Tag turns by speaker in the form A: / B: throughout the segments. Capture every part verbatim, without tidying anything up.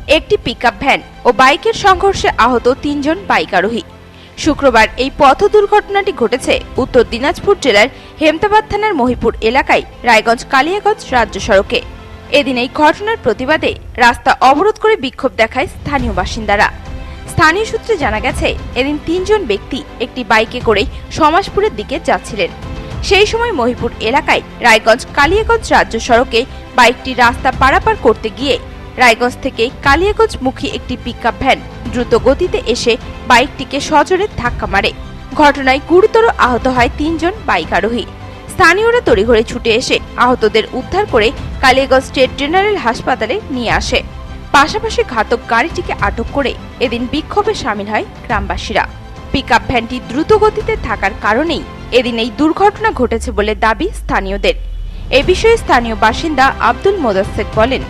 A: একটি pickup van ও বাইকের সংঘর্ষে আহত তিনজন বাইক আরোহী। শুক্রবার এই পথ দুর্ঘটনাটি ঘটেছে উত্তর দিনাজপুর জেলার হেমতাবাদ থানার মহিপুর এলাকায় রায়গঞ্জ কালিয়াগঞ্জ রাজ্য সড়কে। এদিন এই ঘটনার প্রতিবাদে রাস্তা অবরোধ করে বিক্ষোভ দেখায় স্থানীয় বাসিন্দারা। স্থানীয় সূত্রে জানা গেছে, এদিন তিনজন ব্যক্তি একটি বাইকে করে সমাজপুরের দিকে যাচ্ছিলেন। সেই সময় মহিপুর এলাকায় রায়গঞ্জ কালিয়াগঞ্জ রাজ্য সড়কে বাইকটি রাস্তা পারাপার করতে গিয়ে রায়গঞ্জ থেকে কালিয়াগঞ্জ মুখী একটি পিকআপ ভ্যান দ্রুত গতিতে এসে বাইকটিকে সজোরে ধাক্কা মারে। ঘটনায় গুরুতর আহত হয় তিনজন বাইক আরোহী। স্থানীয়রা তড়িঘড়ি ছুটে এসে আহতদের উদ্ধার করে কালিয়াগঞ্জ স্টেট জেনারেল হাসপাতালে নিয়ে আসে। পাশাপাশি ঘাতক গাড়িটিকে আটক করে এদিন বিক্ষোভে সামিল হয় গ্রামবাসীরা। পিকআপ ভ্যানটি দ্রুত গতিতে থাকার কারণেই এদিন এই দুর্ঘটনা ঘটেছে বলে দাবি স্থানীয়দের। এ বিষয়ে স্থানীয় বাসিন্দা আব্দুল মোদাসেক বলেন,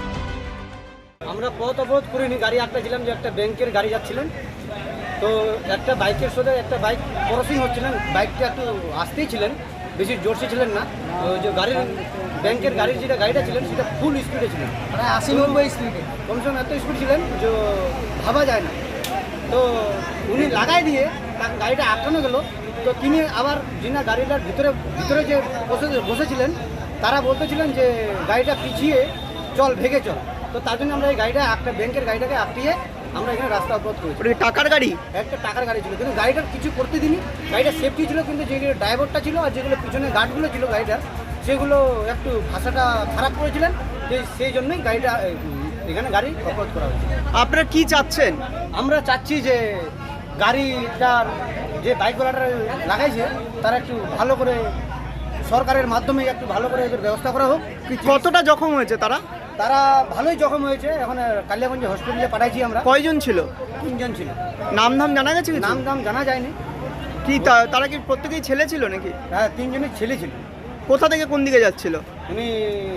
B: আমরা পথ অবরোধ করিনি, গাড়ি একটা ছিলাম যে একটা ব্যাংকের গাড়ি যাচ্ছিলেন, তো একটা বাইকের সাথে একটা বাইক ক্রসিং হচ্ছিলেন, বাইকটা একটু আসতেই ছিলেন, বেশি জোরসে ছিলেন না। তো যে গাড়ির ব্যাংকের গাড়ির যেটা গাড়িটা ছিলেন সেটা ফুল স্পিডে ছিলেন, প্রায় আশি নব্বই স্পিডে, কমসে কম এত স্পিড ছিলেন যে ভাবা যায় না। তো উনি লাগাই দিয়ে তার গাড়িটা আটকানো গেল। তো তিনি আবার যিনি গাড়িটার ভিতরে ভিতরে যে বসে বসেছিলেন তারা বলতেছিলেন যে গাড়িটা পিছিয়ে চল, ভেগে চল। তো তার জন্য আমরা এই গাড়িটা একটা ব্যাংকের গাড়িটাকে আটকিয়ে আমরা এখানে রাস্তা অবরোধ করেছি।
C: টাকার গাড়ি,
B: একটা টাকার গাড়ি ছিল, কিন্তু গাড়িটার কিছু করতে দিনই, গাড়িটা সেফটি ছিল, কিন্তু যেগুলো ড্রাইভারটা ছিল আর যেগুলো পিছনে গার্ডগুলো ছিল গাড়িটার, সেগুলো একটু ভাষাটা খারাপ করেছিলেন, যে সেই জন্যই গাড়িটা এখানে গাড়ি অবরোধ করা হয়েছে।
C: আপনারা কি চাচ্ছেন?
B: আমরা চাচ্ছি যে গাড়িটার যে বাইকওয়ালাটা লাগাইছে তারা একটু ভালো করে সরকারের মাধ্যমে একটু ভালো করে এদের ব্যবস্থা করা হোক।
C: কতটা জখম হয়েছে তারা?
B: তারা ভালোই জখম হয়েছে, এখন কালিয়াগঞ্জ হসপিটালে পাঠাইছি আমরা।
C: কয়জন ছিল?
B: তিনজন ছিল।
C: নাম ধাম জানা গেছে?
B: নাম দাম জানা যায়নি।
C: কি তারা কি প্রত্যেকেই ছেলে ছিল নাকি?
B: হ্যাঁ, তিনজনের ছেলে ছিল।
C: কোথা থেকে কোন দিকে যাচ্ছিল?
B: উনি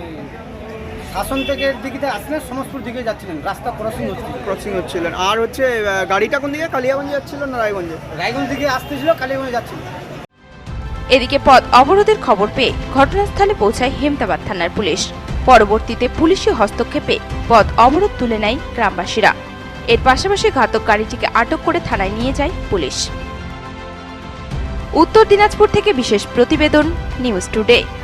B: শাসন থেকে দিকে আসলেন, সমস্তপুর দিকে যাচ্ছিলেন, রাস্তা ক্রসিং হচ্ছিল
C: ক্রসিং হচ্ছিলেন। আর হচ্ছে গাড়িটা কোন দিকে, কালিয়াগঞ্জে যাচ্ছিল না রায়গঞ্জে?
B: রায়গঞ্জ দিকে আসতেছিল, কালিয়াগঞ্জে যাচ্ছিল।
A: এদিকে পথ অবরোধের খবর পেয়ে ঘটনাস্থলে পৌঁছায় হেমতাবাদ থানার পুলিশ। পরবর্তীতে পুলিশি হস্তক্ষেপে পথ অবরোধ তুলে নেয় গ্রামবাসীরা। এর পাশাপাশি ঘাতক গাড়িটিকে আটক করে থানায় নিয়ে যায় পুলিশ। উত্তর দিনাজপুর থেকে বিশেষ প্রতিবেদন, নিউজ টুডে।